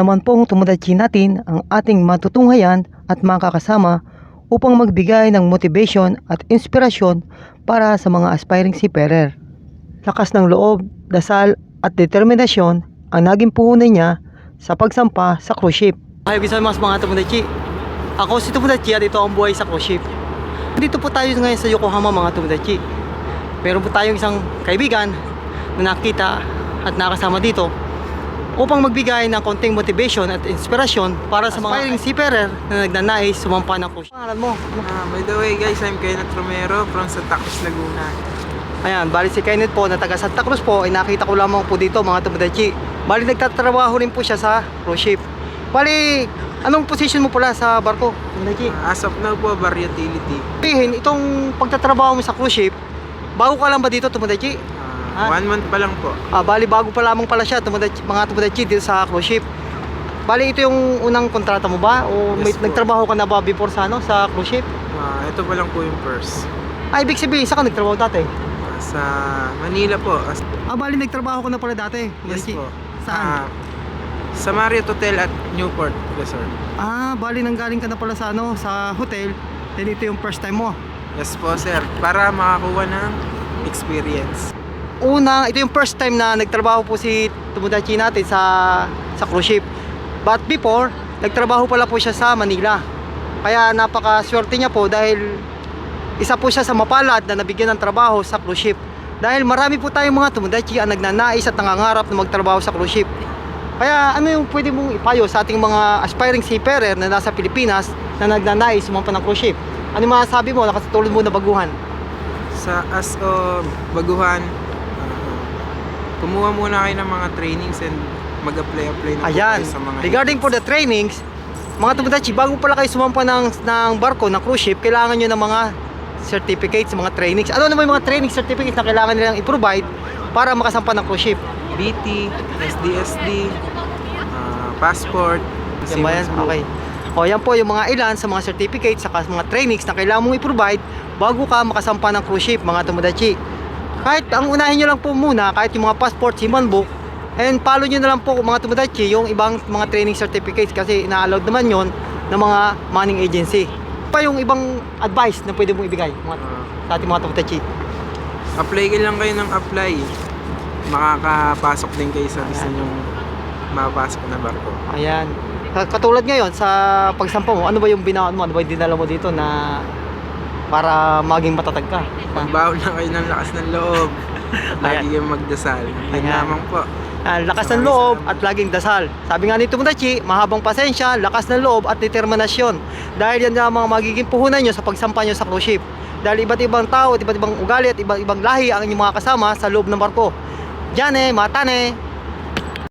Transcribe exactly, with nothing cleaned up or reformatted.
naman pong tomodachi natin ang ating matutunghayan at makakasama upang magbigay ng motivation at inspirasyon para sa mga aspiring seafarer. Lakas ng loob, dasal at determinasyon ang naging puhunan niya sa pagsampa sa cruise ship. Hi, bisa mas mga tomodachi. Ako si Tomodachi at ito ang buhay sa cruise ship. Dito po tayo ngayon sa Yokohama mga tomodachi. Meron po tayong isang kaibigan na nakita at nakasama dito upang magbigay ng konting motivation at inspirasyon para sa mga aspiring seafarer na nagnanais sumampa ng cruise. Pangalan mo? Uh, by the way guys, I'm Kenneth Romero from Santa Cruz, Laguna. Ayan, bali si Kenneth po na taga Santa Cruz po, ay nakita ko lamang po dito mga tomodachi. Bali nagtatrabaho rin po siya sa cruise ship. Bali, anong position mo pala sa barko, tomodachi? Uh, as of now po, bar utility. Sabihin, itong pagtatrabaho mo sa cruise ship, bago ka lang ba dito tomodachi? Uh, one month pa lang po. Ah, bali bago pa lamang pala siya, tomodachi, mga tomodachi dito sa cruise ship. Bali ito yung unang kontrata mo ba? O may, Yes po. nagtrabaho ka na ba before sa, ano, sa cruise ship? Uh, ito pa lang po yung first. Ay, ibig sabihin, saan ka nagtrabaho dati? Uh, sa Manila po. As Ah, bali nagtrabaho ka na pala dati, yes tomodachi? po. Saan? Uh, sa Marriott Hotel at Newport Resort. Ah, bali nanggaling ka na pala sa ano, sa hotel. Then ito yung first time mo. Yes po sir, para makakuha ng experience. Una, ito yung first time na nagtrabaho po si tomodachi natin sa sa cruise ship. But before, nagtrabaho pala po siya sa Manila. Kaya napakaswerte niya po dahil isa po siya sa mapalad na nabigyan ng trabaho sa cruise ship. Dahil marami po tayong mga tomodachi ang nagnanais at nangangarap na magtrabaho sa cruise ship. Kaya ano yung pwede mong ipayo sa ating mga aspiring seafarer na nasa Pilipinas na nagnanais sumampa ng cruise ship? Ano yung masasabi mo na katulad mo na baguhan? Sa as o baguhan, uh, kumuha muna kayo ng mga trainings and mag-apply-apply na po Ayan, kayo sa mga regarding for the trainings, mga tomodachi, bago pala kayo sumampa ng, ng barko, ng cruise ship, kailangan nyo ng mga certificates, mga trainings. Ano naman yung mga training certificates na kailangan nilang i-provide para makasampa ng cruise ship? B T, S D S D, uh, passport, Yan ba yan? seaman's book. Okay. O yan po yung mga ilan sa mga certificates saka mga trainings na kailangan mong i-provide bago ka makasampa ng cruise ship mga tomodachi. Kahit ang unahin nyo lang po muna, kahit yung mga passport, seaman book, and follow nyo na lang po mga tomodachi yung ibang mga training certificates kasi ina-allowed naman yon ng mga manning agency. Pa yung ibang advice na pwede mong ibigay mga, Uh, sa ating mga tomodachi. apply ka lang kayo ng apply. Makakapasok din kayo sa gusto nyong mapasok na barko. Ayan. Katulad ngayon sa pagsampa mo, ano ba yung binaon mo? Ano ba yung dinala mo dito na para maging matatag ka? Magbaon na kayo ng lakas ng loob. Lagi Ayan. kayong magdasal. Yun Ayan. lamang po. Ah, lakas ng loob at laging dasal. Sabi nga ni Tomodachi, mahabang pasensya, lakas ng loob at determinasyon. Dahil yan ang mga magiging puhunan nyo sa pagsampa nyo sa cruise ship. Dahil iba't ibang tao, at iba't ibang ugali at iba't ibang lahi ang inyong mga kasama sa loob ng barko. Diyan eh, matane.